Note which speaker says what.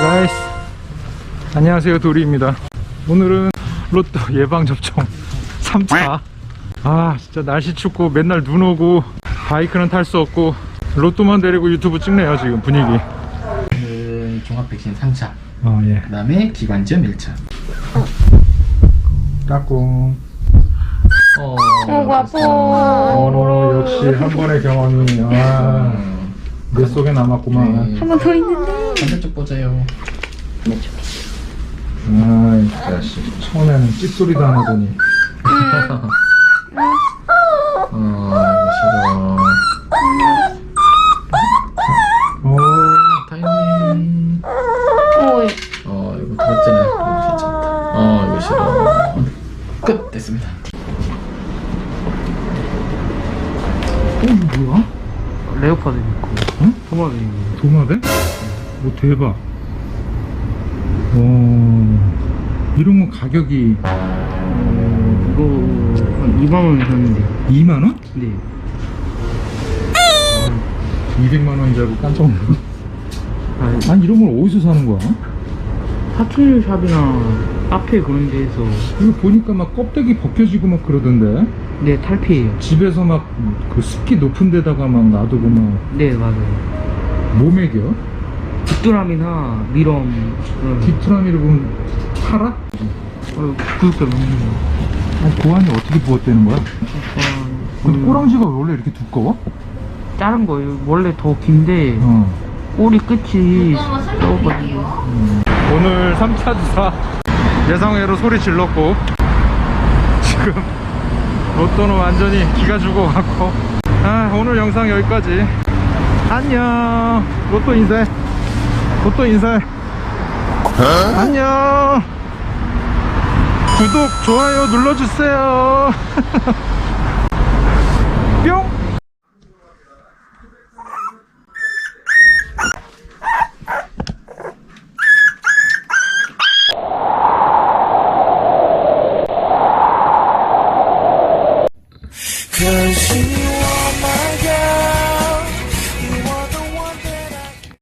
Speaker 1: 가이스, 안녕하세요. 도리입니다. 오늘은 로또 예방접종 3차. 아 진짜 날씨 춥고 맨날 눈 오고 바이크는 탈 수 없고 로또만 데리고 유튜브 찍네요 지금 분위기.
Speaker 2: 그 종합 백신 3차.
Speaker 1: 예.
Speaker 2: 그 다음에 기관지염 1차.
Speaker 1: 까꿍. 역시 한 번의 경험이 내 속에 남았구만.
Speaker 2: 네.
Speaker 3: 한 번 더 있는데.
Speaker 2: 반대쪽 보자요.
Speaker 1: 아이 자식, 처음에는 찝소리도 안 하더니.
Speaker 2: 이거 싫어. 타이밍. 이거 더웠잖아. 괜찮다. 이거 싫어. 끝! 됐습니다.
Speaker 1: 이거 뭐야?
Speaker 4: 레오파드 있고
Speaker 1: 응?
Speaker 4: 토마도 있고.
Speaker 1: 도마뱀? 오 대박. 이런 건 가격이
Speaker 4: 이거 한 2만원 샀는데.
Speaker 1: 2만원?
Speaker 4: 네.
Speaker 1: 200만원인 줄 알고 깜짝 놀랐네.
Speaker 4: 아,
Speaker 1: 아니 이런 걸 어디서 사는 거야?
Speaker 4: 파충류 샵이나 카페 그런 데에서.
Speaker 1: 이거 보니까 막 껍데기 벗겨지고 막 그러던데.
Speaker 4: 네, 탈피해요.
Speaker 1: 집에서 막 그 습기 높은 데다가 막 놔두고 막
Speaker 4: 네, 맞아요.
Speaker 1: 뭐 먹여?
Speaker 4: 귀뚜라미나 미럼 그런.
Speaker 1: 귀뚜라미를 보면 팔아?
Speaker 4: 구육대 먹는 거.
Speaker 1: 아니 고안이 어떻게 부었대는 거야? 근데
Speaker 4: 그
Speaker 1: 꼬랑지가 원래 이렇게 두꺼워?
Speaker 4: 자른 거예요. 원래 더 긴데 꼬리 끝이 썩어가지고.
Speaker 1: 오늘 3차 주사 예상외로 소리 질렀고 지금 로또는 완전히 기가 죽어갖고 오늘 영상 여기까지. 안녕. 로또 인사해. 로또 인사해. 안녕. 구독 좋아요 눌러주세요. 뿅.
Speaker 5: Cause you